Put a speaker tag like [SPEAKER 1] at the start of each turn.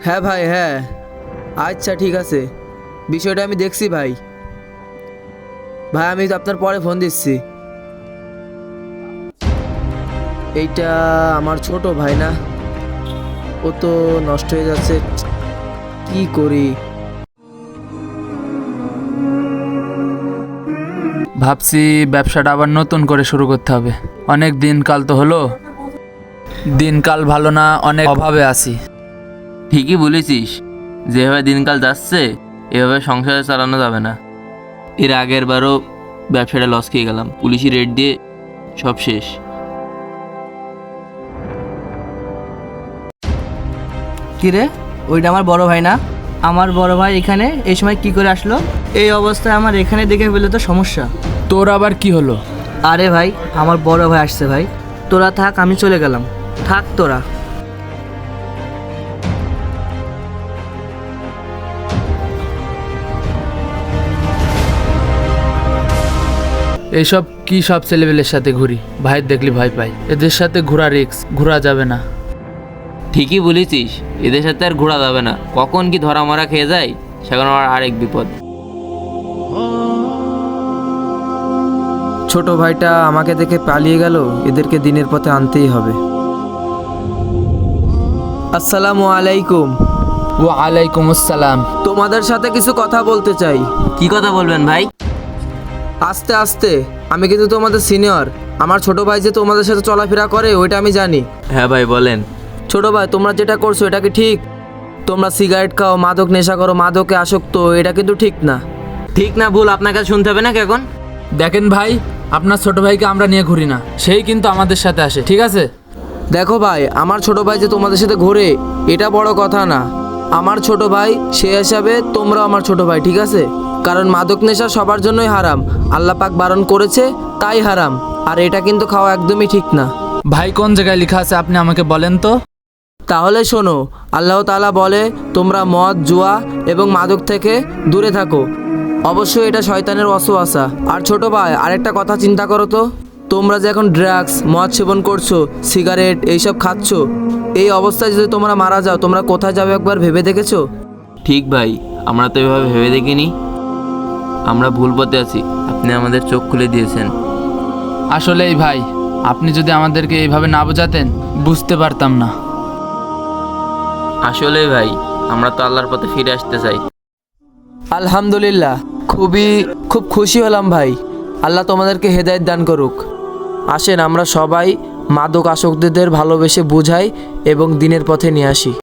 [SPEAKER 1] হ্যাঁ ভাই, হ্যাঁ। আচ্ছা ঠিক আছে, বিষয়টা আমি দেখছি ভাই। ভাই আমি তো আপনার পরে ফোন দিচ্ছি। এইটা আমার ছোট ভাই না, ও তো নষ্ট হয়ে যাচ্ছে, কি করি।
[SPEAKER 2] ভাবছি ব্যবসাটা আবার নতুন করে শুরু করতে হবে। অনেক দিনকাল তো হলো, দিনকাল ভালো না, অনেক অভাবে আছি।
[SPEAKER 3] ঠিকই বলেছিস, যেভাবে দিনকাল যাচ্ছে এভাবে সংসার চালানো যাবে না। এর আগের বারও ব্যবসাটা লস খেয়ে গেলাম, পুলিশি রেড দিয়ে সব শেষ।
[SPEAKER 4] কিরে, ওইটা আমার বড় ভাই না? আমার বড় ভাই এখানে এই সময় কি করে আসলো? এই অবস্থায় আমার এখানে দেখে ফেলে তো সমস্যা।
[SPEAKER 2] তোর আবার কি হলো?
[SPEAKER 4] আরে ভাই, আমার বড় ভাই আসছে ভাই। তোরা থাক, আমি চলে গেলাম। থাক তোরা।
[SPEAKER 2] এইসব কি সব ছেলেবেলের সাথে ঘুরি, ভাইয়ের দেখলি ভয় পাই। এদের সাথে ঘোরা রিক্স, ঘোরা যাবে না।
[SPEAKER 3] ঠিকই বলেছিস, এদের সাথে আর ঘোরা যাবে না, কখন কি ধরা মরা খেয়ে যায় সেখানে আমার আরেক বিপদ।
[SPEAKER 1] ছোট ভাইটা আমাকে দেখে পালিয়ে গেল, এদেরকে দিনের পথে আনতেই হবে। আসসালামু আলাইকুম।
[SPEAKER 2] ওয়ালাইকুম আসসালাম।
[SPEAKER 1] তোমাদের সাথে কিছু কথা বলতে চাই।
[SPEAKER 3] কি কথা বলবেন ভাই?
[SPEAKER 1] আস্তে আস্তে, আমি কিন্তু তোমাদের সিনিয়র। আমার ছোট ভাই যে তোমাদের সাথে চলাফেরা করে ওইটা আমি জানি।
[SPEAKER 3] হ্যাঁ ভাই বলেন।
[SPEAKER 1] ছোট ভাই, তোমরা যেটা করছো এটা কি ঠিক? তোমরা সিগারেট খাও, মাদক নেশা করো, মাদকে আসক্ত, এটা কিন্তু ঠিক না।
[SPEAKER 3] ঠিক না ভুল আপনার কাছে শুনতে হবে নাকি এখন?
[SPEAKER 2] দেখেন ভাই, আপনার ছোট ভাইকে আমরা নিয়ে ঘুরি না, সেই কিন্তু আমাদের সাথে আসে, ঠিক আছে?
[SPEAKER 1] দেখো ভাই, আমার ছোট ভাই যে তোমাদের সাথে ঘোরে এটা বড় কথা না। আমার ছোট ভাই, সে হিসাবে তোমরাও আমার ছোট ভাই, ঠিক আছে? কারণ মাদক নেশা সবার জন্যই হারাম, আল্লাহ পাক বারণ করেছে তাই হারাম। আর এটা কিন্তু খাওয়া একদমই ঠিক না।
[SPEAKER 2] ভাই কোন জায়গায় লেখা আছে আপনি আমাকে বলেন তো।
[SPEAKER 1] তাহলে শোনো, আল্লাহ তাআলা বলে তোমরা মদ, জুয়া এবং মাদক থেকে দূরে থাকো। অবশ্যই এটা শয়তানের ওয়াসওয়াসা। আর ছোট ভাই, আরেকটা কথা চিন্তা করো তো, তোমরা যে এখন ড্রাগস, মদ সেবন করছো, সিগারেট এইসব খাচ্ছো, এই অবস্থায় যদি তোমরা মারা যাও, তোমরা কোথায় যাবে একবার ভেবে দেখেছো?
[SPEAKER 3] ঠিক ভাই, আমরা তো এভাবে ভেবে দেখিনি। আমরা ভুল পথে আছি, আপনি আমাদের চোখ খুলে দিয়েছেন।
[SPEAKER 2] আসলেই ভাই, আপনি যদি আমাদেরকে এইভাবে না বোঝাতেন বুঝতে পারতাম না।
[SPEAKER 3] আসলে ভাই, আমরা তো আল্লাহর পথে ফিরে আসতে চাই।
[SPEAKER 1] আলহামদুলিল্লাহ, খুব খুশি হলাম ভাই। আল্লাহ তোমাদেরকে হেদায়েত দান করুক। আসেন আমরা সবাই মাদক আসক্তদের ভালোবেসে বুঝাই এবং দিনের পথে নিয়ে আসি।